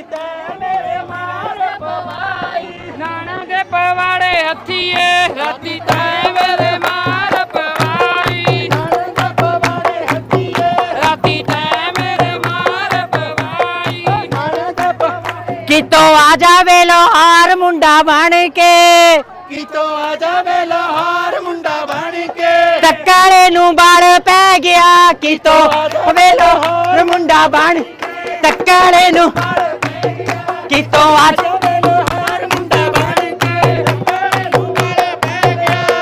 तै मेरे मार पवाई नाना के पवाड़े हथिये राती तै मेरे मार पवाई नाना पवाड़े हथिये राती तै मेरे मार पवाई नाना कितों आ जावे लोहार मुंडा बन के कितों आ जावे लोहार मुंडा बन के टक्करे नू बाड़ पै गया कितों वे लोहार मुंडा बन टक्करे नू कितों आ जावे लोहार मुंडा बन के टक्करे नू बाड़े पै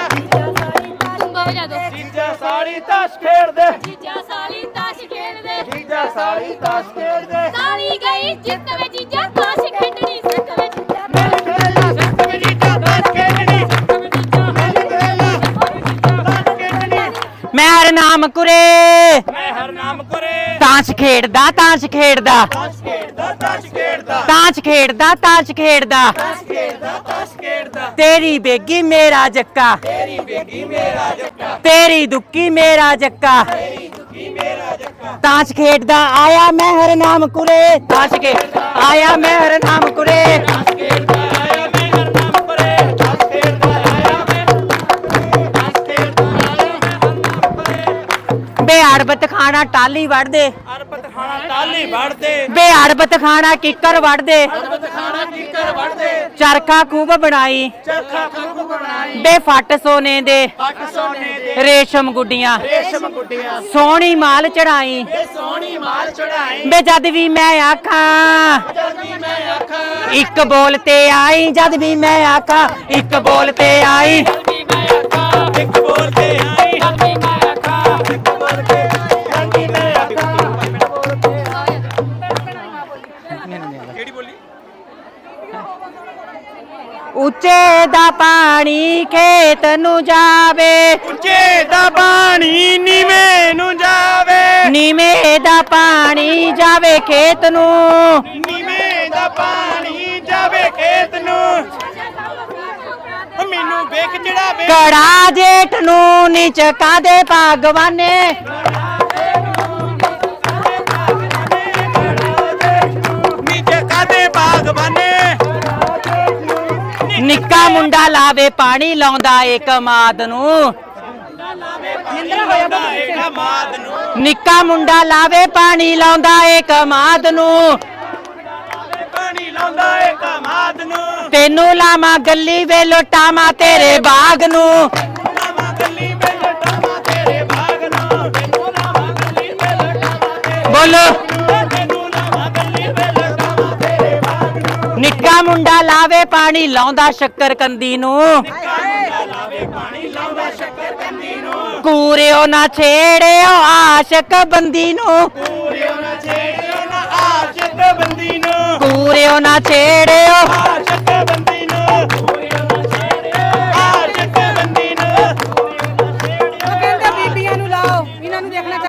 गया जीजा साली ताश खेड़ दे जीजा साली ताश खेड़ दे जीजा साली ताश खेड़ दे साली गई जिੱਤ ਵੇ जीजा ताश खेडनी सिੱਖ ਵੇ जीजा मैं खेला सिख में जीजा ताश खेड़नी मैं खेला ताश खेड़नी मैं हर नाम कुरे मैं हर नाम करे ताश खेड़दा ताश खेड़दा ताश खेड़दा ताश खेड़दा ताश खेड़दा ताश खेड़दा ताश खेड़दा ताश खेड़दा तेरी बेगी मेरा जक्का तेरी बेगी मेरा जक्का तेरी दुक्की मेरा जक्का तेरी दुखी मेरा जक्का ताश खेड़दा आया मैं हर नाम कुरे ताश खेड़दा आया मैं हर नाम कुरे ताश खेड़दा आया मैं हर नाम करे ताश खेड़दा आया मैं ताश खेड़दा आया मैं हर नाम करे बे अड़बत खाना टाली वड़ दे अरबत खाना टाली वड़ दे बे अड़बत खाना किकर वड़ दे अरबत खाना कीकर वड़ दे चरखा खूब बनाई चरखा खूब बनाई बे फट सोने दे पट सोने दे रेशम गुड्डियां रेशम गुड्डियां सोहनी माल चढ़ाई ये सोहनी माल चढ़ाई बे जद भी मैं आखा जद भी मैं आखा एक बोलते आई जद भी मैं आखा एक बोलते आई एक बोलते आई एक बोल के रंगी मैं आखा केड़ी बोली ਉੱਚੇ ਦਾ ਪਾਣੀ ਖੇਤ ਨੂੰ ਜਾਵੇ ਉੱਚੇ ਦਾ ਪਾਣੀ ਨੀਵੇਂ ਨੂੰ ਜਾਵੇ ਨੀਵੇਂ ਦਾ ਪਾਣੀ ਜਾਵੇ ਖੇਤ ਨੂੰ ਨੀਵੇਂ ਦਾ ਪਾਣੀ ਜਾਵੇ ਖੇਤ ਨੂੰ ਮੈਨੂੰ ਵੇਖ ਚੜਾਵੇ ਕੜਾ ਜੇਠ ਨੂੰ ਨੀਚ ਕਾਦੇ ਭਗਵਾਨੇ ਨੀਚੇ ਕਾਦੇ ਬਾਗਬਾਨੇ ਨਿੱਕਾ ਮੁੰਡਾ ਲਾਵੇ ਪਾਣੀ ਲਾਉਂਦਾ ਏ ਕਮਾਦ ਨੂੰ ਮਾਦ ਨੂੰ ਨਿੱਕਾ ਮੁੰਡਾ ਲਾਵੇ ਪਾਣੀ ਲਾਉਂਦਾ ਏ ਕਮਾਦ ਨੂੰ ਪਾਣੀ ਲਾਉਂਦਾ ਏ ਕਮਾਦ ਨੂੰ ਤੈਨੂੰ ਲਾਵਾਂ ਗੱਲੀ ਵੇ ਲੁਟਾਵਾਂ ਤੇਰੇ ਬਾਗ ਨੂੰ ਲਾਵਾਂ ਗੱਲੀ ਵੇ ਲਟਾਵਾਂ ਤੇਰੇ ਬਾਗ ਨੂੰ ਤੈਨੂੰ ਲਾਵਾਂ ਗੱਲੀ ਵੇ ਲਟਾਵਾਂ ਤੇਰੇ ਬੋਲੋ ਤੈਨੂੰ ਲਾਵਾਂ ਗੱਲੀ ਵੇ ਲਟਾਵਾਂ ਤੇਰੇ ਬਾਗ ਨੂੰ ਨਿੱਕਾ ਮੁੰਡਾ ਲਾਵੇ ਪਾਣੀ ਲਾਉਂਦਾ ਸ਼ੱਕਰ ਕੰਦੀ ਨੂੰ ਲਾਵੇ ਪਾਣੀ ਲਾਉਂਦਾ ਸ਼ੱਕਰ ਕੰਦੀ ਨੂੰ ਕੂਰਿਓ ਨਾ ਛੇੜਿਓ ਆਸ਼ਕ ਬੰਦੀ ਨੂੰ ਪੂਰਿਓ ਨਾ ਛੇੜਿਓ ਨਾ ਆਸ਼ਿਕ ਬੰਦੀ ਨੂੰ ਕੂਰਿਓ ਨਾ ਛੇੜਿਓ